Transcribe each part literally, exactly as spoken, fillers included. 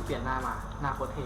เปลี่ยนหน้ามาหน้าโคตรเท่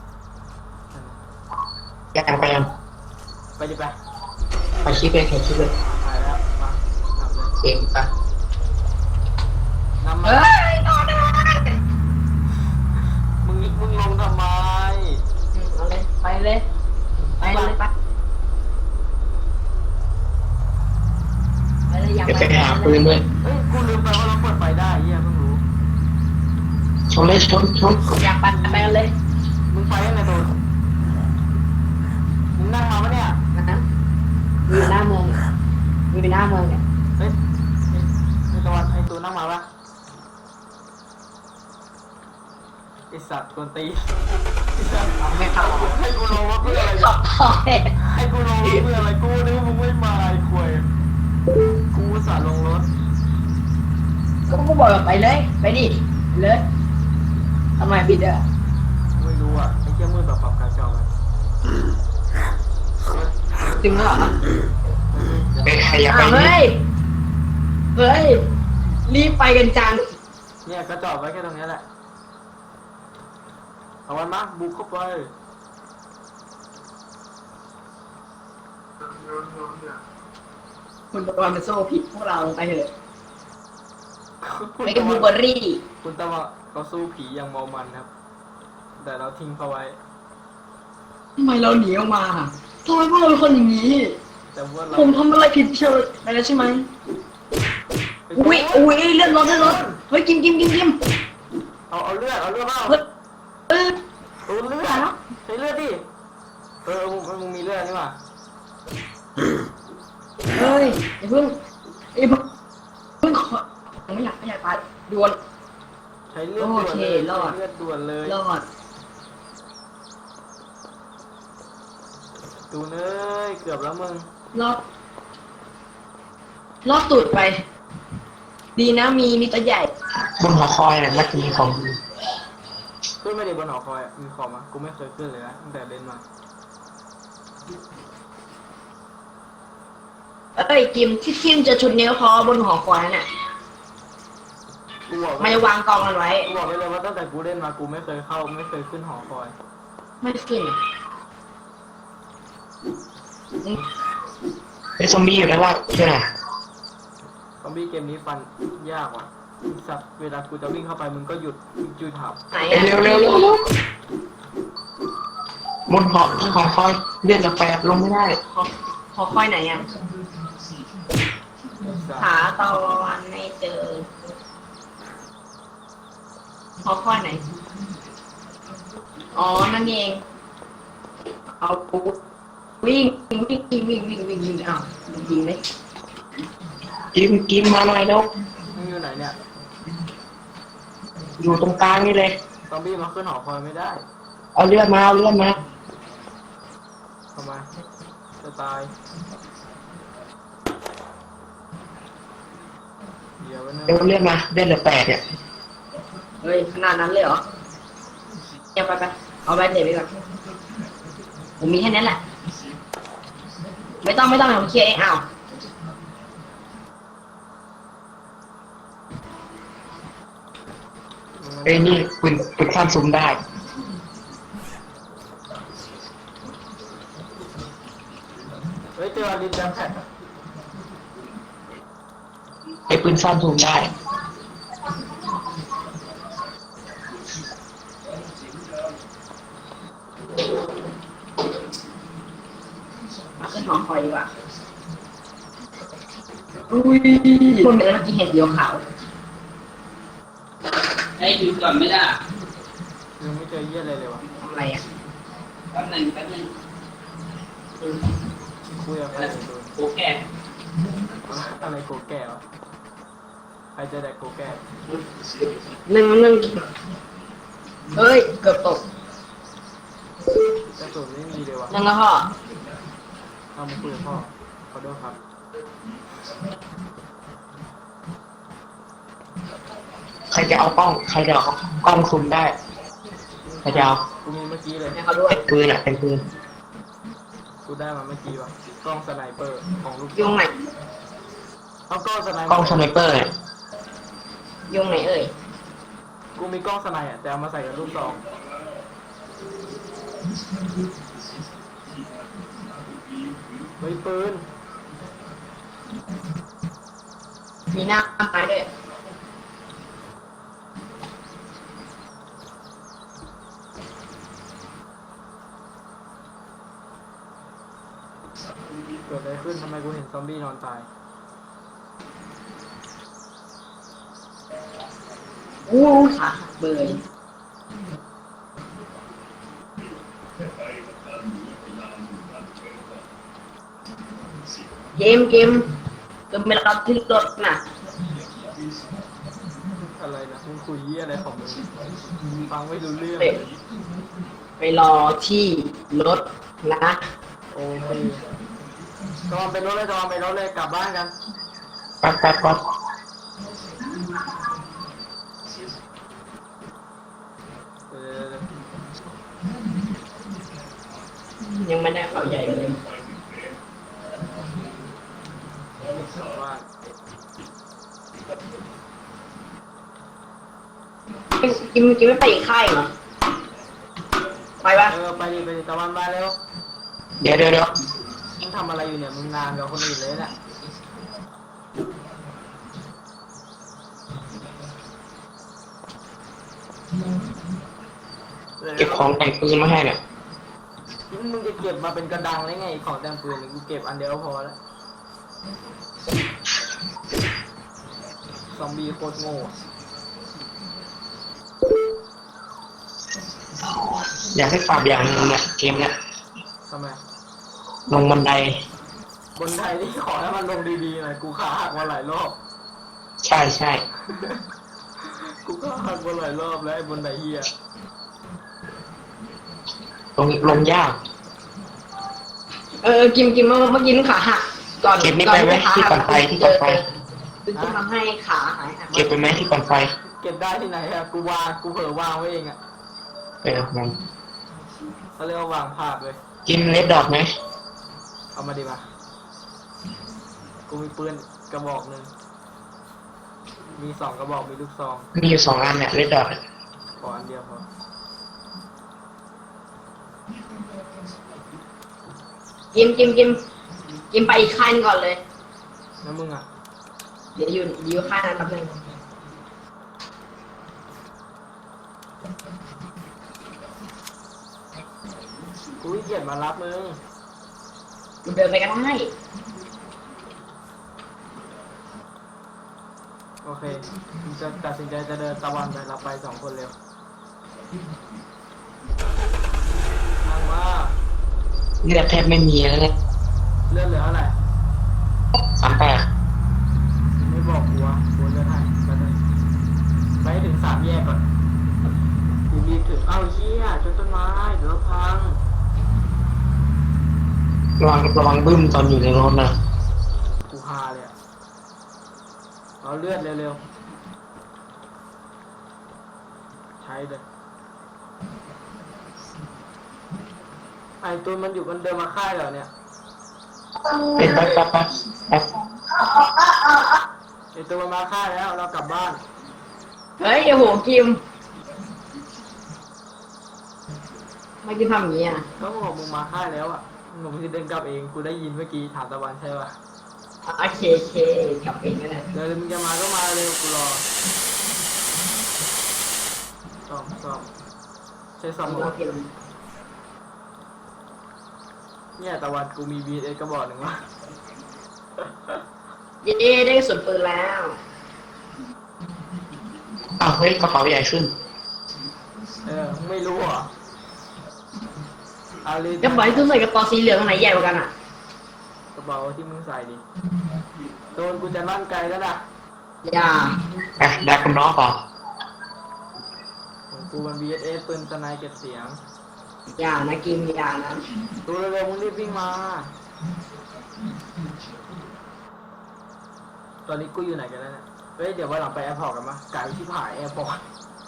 ยังไปยังไปดิไปไปชิปเลยแค่ชิปเลยไปแล้วมาทำเลยเองปะนำมาเฮ้ยต่อได้มึงมึงลงทำไมเอาเลยไปเลยไปเลยไปไปเลยยังไปหาปืนด้วยเฮ้ยกูลืมไปว่าเราเปิดไฟได้เฮียเพิ่งรู้ชนเลยชนชนอยากปั่นไปกันเลยมึงไปยังไงตัวมึงนั่งมาปะเนี่ยนะอยู่หน้าเมืองอยู่หน้าเมืองเนี่ยเฮ้ยไอ้ไอ้ตะวันไอ้ตัวนั่งมาปะไอสัตว์กวนตีนไอสัตว์ไม่เข้าให้กูลงรถเพื่ออะไรขอบคอยให้กูลงรถเพื่ออะไรกูนึกว่ามึงไม่มาไอ้ควยกูอุตสาห์ลงรถก็กูบอกไปเลยไปดิเลยทำไมบิดอ่ะไม่รู้อ่ะไอ้เจ้ามืดแบบปรับกาจอไว้จริงเหรอเฮ้ยเฮ้ยเฮ้ยรีบไปกันจังเนี่ยกระจอกไว้แค่ตรงนี้แหละเอาวันมาบุกเข้าไปคุณตะวันเป็นโซ่ผิดพวกเราไปเถอะคุณไปกับบูเบอรี่คุณตะวันเราสู้ผีอย่างเมามันครับ แต่เราทิ้งเขาไว้ทำไมเราหนีออกมาทำไมพวกเราเป็นคนอย่างนี้แต่ว่าเราผมทำอะไรผิดเชิญไปแล้วใช่ไหมอุ้ยอุ้ยเลือดรถเลือดรถเฮ้ยกินกินกินกินเอาเอาเลือดเอาเลือดเปล่าเฮ้ยเออเอาเลือดใช้เลือดดิเออมึงมึงมีเลือดนี่หว่าเฮ้ยอย่าเพิ่งอย่าเพิ่งเพิ่งขอไม่อยากไม่อยากตายด่วนใช้เลือดด่วนเลยโอเครอดใช้เลือดด่วนเลยรอดดูเนยเกือบแล้วมึงรอดรอดตูดไป ดีนะมีมีตัวใหญ่บนหัวคอยเนี่ยมันจะมีของดีขึ้นไม่ได้บนหอคอยมีของมากูไม่เคยขึ้นเลยนะตั้งแต่เล่นมาเอ้ยกิมที่ทิมจะชุดนิ้วคอบนหอคอยน่ะกูบอกมันจะวางกองกันไว้กูบอกไปเลยว่าตั้งแต่กูเล่นมากูไม่เคยเข้าไม่เคยขึ้นหอคอยไม่ขึ้นไอ้ซอมบี้อยู่ด้านล่างใช่ไหมซอมบี้เกมนี้ฟันยากว่ะสัตว์เวลากูจะวิ่งเข้าไปมึงก็หยุดจุยถับไหนเร็วเร็วเร็วเร็วบนหอหอคอยเลื่อนละแปดลงไม่ได้หอหอคอยไหนอ่ะหาตะวันไม่เจอหอคอยไหนอ๋อนั่นเองเอาปุ๊บวิ่งวิ่งวิ่งวิ่งวิ่งวิ่งวิ่งวิ่งอ้าวยิงไหมกิมกิมมาหน่อยแล้วมึงอยู่ไหนเนี่ยอยู่ตรงกลางนี่เลยซอมบี้มาขึ้นหอคอยไม่ได้เอาเลือดมาเอาเลือดมาทำไมจะตายเดี๋ยวนะเดี๋ยวเลือดมาเลือดเหลือแปดเนี่ยเฮ้ยขนาดนั้นเลยเหรอเนี่ยไปไปเอาไปเทไปก่อนผมมีแค่นั้นแหละไม่ต้องไม่ต้องผมเคลียร์เองอ้าวเอ้ยนี่ปืนปืนข้ามซุ้มได้เฮ้ยเจอลินดันแท็กไอ้ปืนข้ามซุ้มได้มาขึ้นหอคอยดีกว่าอุ้ยคนเป็นเมื่อกี้เห็นเดียวขาวให้ดูก่อนไม่ได้ยังไม่เจอเยี่ยอะไรเลยวะทำอะไรอ่ะแป๊บหนึงแป๊บหนึงคุยกับใครอยู่ดูโอเคอะไรโกแก้วะใครจะได้โกแก้วหนึ่งหนึ่งเฮ้ยเกือบตกกระสุนไม่มีเลยวะหนึ่งแล้วพ่อเอามาคุยกับพ่อขอโทษครับใครจะเอากล้องใครจะเอากล้องซูมได้ใครจะเอากูมีเมื่อกี้เลยให้เขาด้วยเป็นปืนอ่ะเป็นปืนกูได้มาเมื่อกี้ว่ะกล้องสไนเปอร์ของลูกยุงไหนเอากล้องสไนเปอร์กล้องสไนเปอร์เนี่ยยุงไหนเอ่ยกูกูมีกล้องสไนด์อ่ะแต่เอามาใส่กับลูกซองเฮ้ยปืนมีหน้าไม้ด้วยเกิดอะไรขึ้นทำไมกูเห็นซอมบี้นอนตายอู้ขาหักเบยเกมเกมก็ไม่รับที่รถน่ะอะไรนะมึงคุยเยี่ยอะไรของมึงฟังไม่รู้เรื่องไปไปรอที่รถนะโอเคจอมไปรถเลยจอมไปรถเลยกลับบ้านกันแป๊บแป๊บแป๊บเออยังไม่ได้เขาใหญ่เลยกลับบ้านกินกินไม่ไปอีกค่ายเหรอไปปะเออไปดิไปดิตะวันมาเร็วเดี๋ยวเดี๋ยวเดี๋ยวมึงทำอะไรอยู่เนี่ยมึงนานกับคนอื่นเลยเนี่ยเก็บของแต่งปืนมาให้เนี่ยมึงจะเก็บมาเป็นกระดังได้ไงของแต่งปืนเนี่ยกูเก็บอันเดียวพอแล้วซอมบี้โคตรโง่อยากให้ปรับอย่างหนึงเนี่ยเกมเนี่ยทำไมลงบันไดบนไทยนี่ขอให้มันลงดีๆหน่อยกูขาหักมาหลายรอบใช่ใช่กูก็หักมาหลายรอบแล้วไอ้บนไดเฮียลงลงยากเออกินกินเมื่อเมื่อกี้ขาหักก่อนเก็บนี่ไปไหมที่ก่อนไปที่ก่อนไปซึ่งจะทำให้ขาหายหักเก็บไปไหมที่ก่อนไฟเก็บได้ที่ไหนอะกูวางกูเผลอวางไว้เองอะเออมันเขาเรียกว่าวางพลาดเลยกินเลดดอทไหมเอามาดิมากูมีปืนกระบอกหนึ่งมีสองกระบอกมีลูกซองมีอยู่สองอันเนี่ยเลดดอทขออันเดียวพอกินกินกินกินไปอีกค่ายหนึงก่อนเลยแล้วมึงอะเดี๋ยวอยู่อยู่ค่ายนั้นแป๊บนึงกูขี้เกียจมารับมึงมันเดินไปก็ได้โอเคมึงจะตัดสินใจจะเดินตะวันไปรับไปสองคนเร็วนั่งว่าเลือดแทบไม่มีแล้วเนี่ยเลือดเหลือเท่าไหร่สามแปดไม่บอกกูวะกูเลือดให้ไปเลยไปให้ถึงสามแยกก่อนกูรีบถึงเอ้าเหี้ยจนต้นไม้เดี๋ยวเราพังระวังระวังบึ้มตอนอยู่ในรถนะกูฮาเลยอะเอาเลือดเร็วๆ ใช้เลย ไอ้ตัวมันอยู่กันเดินมาค่ายเหรอเนี่ยเป็นแป๊บแป๊บแป๊บแป๊บไอ้ตัวมันมาค่ายแล้วเรากลับบ้านเฮ้ยโอ้โหกิมไม่กินทำอย่างนี้อ่ะก็บอกมึงมาค่ายแล้วอ่ะมึงจะเดินกลับเอง กูได้ยินเมื่อกี้ถามตะวันใช่ป่ะโอเคโอเคกลับเองก็ได้เดี๋ยวมึงจะมาก็มาเร็วกูรอซ่อมซ่อมใช้ซ่อมหมเราดกินเนี่ยตะวันกูมี บี เอส กระบอกหนึ่งวะเย้ได้ส่วนปืนแล้วอ้าวเฮ้ยกระเป๋าใหญ่ขึ้นเออมึงไม่รู้เหรอเอาเลยกระเป๋าที่ตุ้ใส่กระเป๋าสีเหลืองอันไหนใหญ่กว่ากันอ่ะกระเป๋าที่มึงใส่ดิโดนกูจะลั่นไกลแล้วนะอย่าอ่ะได้คุณน้องก่อนของกูมัน บี เอส เอส ปืนสไนเก็บเสียงอย่านะกิมอย่านะตัวเร็วๆมึงรีบวิ่งมา ตอนนี้กูอยู่ไหนกันแล้วเนี่ย เฮ้ยเดี๋ยววันหลังไปแอร์พอร์ตกันมะไกลที่ผายแอร์พอร์ต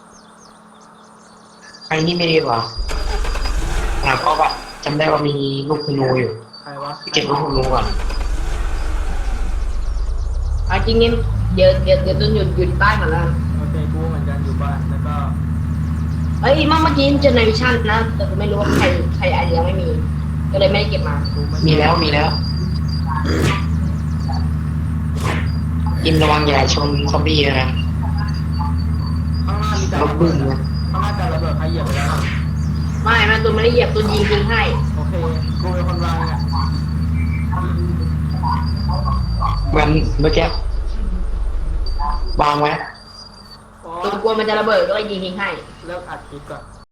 ไอ้นี่ไม่ดีกว่าอ่าเพราะว่าจำได้ว่ามีลูกธนูอยู่ใครวะเก็บลูกธนูก่อนเอาจริงๆเดี๋ยวเดี๋ยวเดี๋ยวต้นหยุดหยุดใต้มาแล้วโอเคกูเหมือนกันอยู่บ้าน แล้วก็เอ้ยเมื่อเมื่อกี้เจอในวิชั่นนะแต่กูไม่รู้ว่าใครใครไอเดียไม่มี ก็เลยไม่ได้เก็บมากูไมีแล้วมีแล้วอินระวังอย่าชนซอมบี้นะข้างหน้ามีแต่รถระบึ้เบิดงนะข้างหน้าแต่ระเบิดใครเหยียบไปแล้วไม่แม่ตูนไม่ได้เหยียบตูนยิงทิ้งให้โอเคกูเป็นคนวางเนี่ยเหมือนเมื่อกี้วางไว้โอ้ตูนกลัวมันจะระเบิดก็เลยยิงทิ้งให้เลิกอัดคลิปก่อน